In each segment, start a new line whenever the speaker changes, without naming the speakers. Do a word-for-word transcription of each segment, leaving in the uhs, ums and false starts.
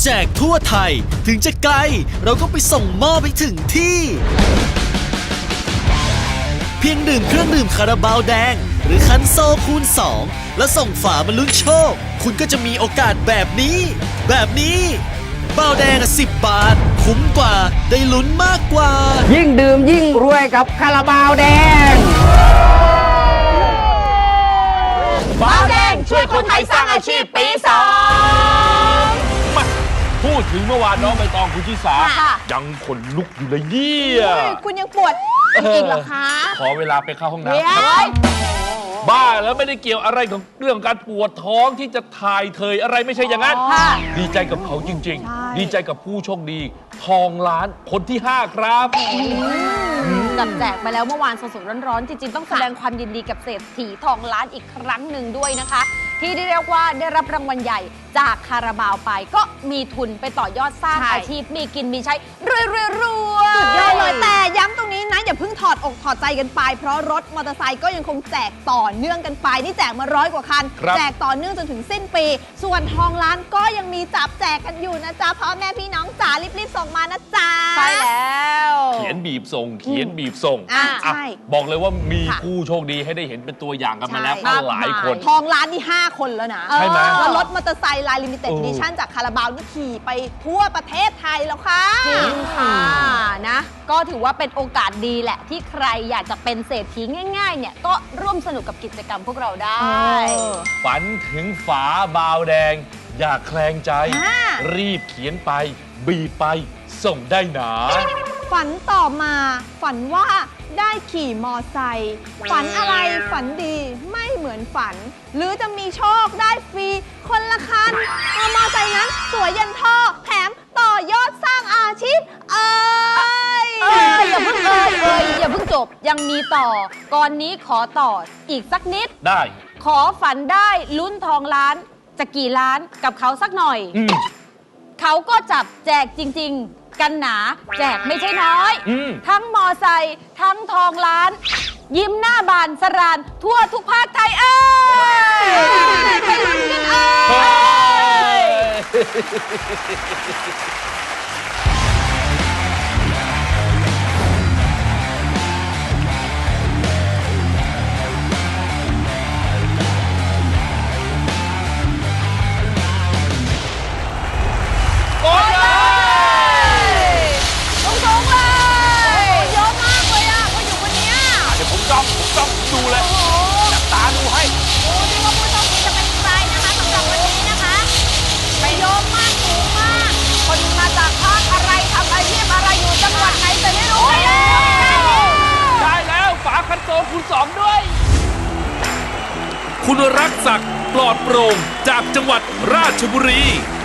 แจกทั่วไทยถึงจะไกลเราก็ไปส่งมอบไปถึงที่ เพียงดื่มเครื่องดื่มคาราบาวแดงหรือคันโซคูณสองแล้วส่งฝามาลุ้นโชคคุณก็จะมีโอกาสแบบนี้แบบนี้บาวแดงอ่ะสิบบาทคุ้มกว่าได้ลุ้นมากกว่า
ยิ่งดื่มยิ่งรวยกับคาราบาวแดง
บาวแดงช่วยคนไทยสร้างอาชีพปีสอง
มาพูดถึงเมื่อวานน้องใบตองคุณชิสายังขนลุกอยู่เลยเนี่ย
คุณยังปวดอีกเหรอคะ
ขอเวลาไปเข้าห้องน้ำบ้าแล้วไม่ได้เกี่ยวอะไรกับเรื่องการปวดท้องที่จะถ่ายเทยอะไรไม่ใช่อย่างนั้นดีใจกับเขาจริงๆดีใจกับผู้โชคดีทองล้านคนที่ห้าครับ
จับแจกไปแล้วเมื่อวานสดๆร้อนๆจริงๆต้องแสดงความยินดีกับเศรษฐีทองล้านอีกครั้งหนึ่งด้วยนะคะที่ได้เรียกว่าได้รับรางวัลใหญ่จากคาราบาวไปก็มีทุนไปต่อยอดสร้างอาชีพมีกินมีใช้รวยๆรวยสุดยอดเลยแต่ย้ำตรงนี้นะอย่าเพิ่งถอดอกถอดใจกันไปเพราะรถมอเตอร์ไซค์ก็ยังคงแจกต่อเนื่องกันไปนี่แจกมาร้อยกว่าคันแจกต่อเนื่องจนถึงสิ้นปีส่วนทองล้านก็ยังมีจับแจกกันอยู่นะจ๊ะพ่อแม่พี่น้องจ๋ารีบๆส่งมานะจ๊ะใช่แล้ว
เขียนบีบส่งเขียนบีบส่ง
อ่าใช่
บอกเลยว่ามีผู้โชคดีให้ได้เห็นเป็นตัวอย่างกันมาแล้วหลายคน
ทองล้านนี่ห้าคนแล้วนะ
ใช่ไหม
แล้วรถมอเตอร์ไซค์ลายลิมิเต็ดดิชั่นจากคาราบาวนี่ขี่ไปทั่วประเทศไทยแล้วค่ะจริงค่ะนะก็ถือว่าเป็นโอกาสดีแหละที่ใครอยากจะเป็นเศรษฐีง่ายๆเนี่ยก็ร่วมสนุกกับกิจกรรมพวกเราได้
ฝันถึงฝาบาวแดงอย่าแคลงใจรีบเขียนไปบีบไปส่งได้หนา
ฝันต่อมาฝันว่าได้ขี่มอไซค์ฝันอะไรฝันดีไม่เหมือนฝันหรือจะมีโชคได้ฟรีคนละคันมอไซค์นั้นสวยยันท่อแถมต่อยอดสร้างอาชีพเอ้ยเอ้ยอย่าเพิ่งเอ้ยเอ้ยอย่าเพิ่งจบยังมีต่อก่อนนี้ขอต่ออีกสักนิด
ได้
ขอฝันได้ลุ้นทองล้านจะกี่ล้านกับเขาสักหน่อยเขาก็จับแจกจริงๆกันหนาแจกไม่ใช่น้อยทั้งมอไซค์ทั้งทองล้านยิ้มหน้าบานสรานทั่วทุกภาคไทยเอ้ยไปลุ้นกันเอ้ย
ดูเลยจับตาดูให้
ดูดิว่าผู้โชคดีจะเป็นใครนะคะสำหรับวันนี้นะคะไปโยมมากสูงมากคนมาจากภาคอะไรทำอาชีพอะไรอยู่จังหวัดไหนแต่ไม่รู้
ได้แล้วฝาคันโซคูณสองด้วยคุณรักศักดิ์ปลอดโปร่งจากจังหวัดราชบุรี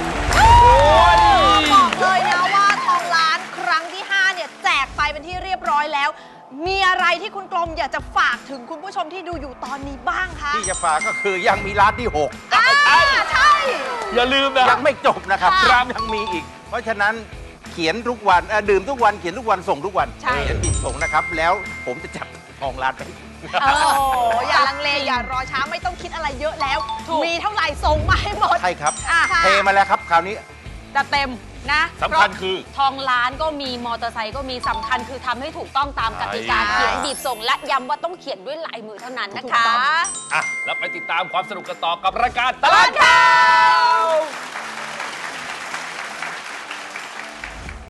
บอกเลยนะว่าทองล้านครั้งที่ห้าเนี่ยแจกไปเป็นที่เรียบร้อยแล้วมีอะไรที่คุณกรมอยากจะฝากถึงคุณผู้ชมที่ดูอยู่ตอนนี้บ้างคะ
ที่จะฝากก็คือยังมีร้านที่หก
ใช่ใช่
อย่าลืมนะ
ยังไม่จบนะครับยังมีอีกเพราะฉะนั้นเขียนทุกวันดื่มทุกวันเขียนทุกวันส่งทุกวันเขียนบีบส่งนะครับแล้วผมจะจับทองล้านไป
โอ้อย่าลังเลอย่ารอช้าไม่ต้องคิดอะไรเยอะแล้วมีเท่าไหร่ส่งมาให้หมด
ใช่ครับเทมาแล้วครับคราวนี้
จะเต็มนะ
สำคัญคือ
ทองล้านก็มีมอเตอร์ไซค์ก็มีสำคัญคือทำให้ถูกต้องตามกติกาเขียนบีบส่งและย้ำว่าต้องเขียนด้วยลายมือเท่านั้นนะคะ
อ่ะแล้วไปติดตามความสนุกกันต่อกับรายการตลอดข่าว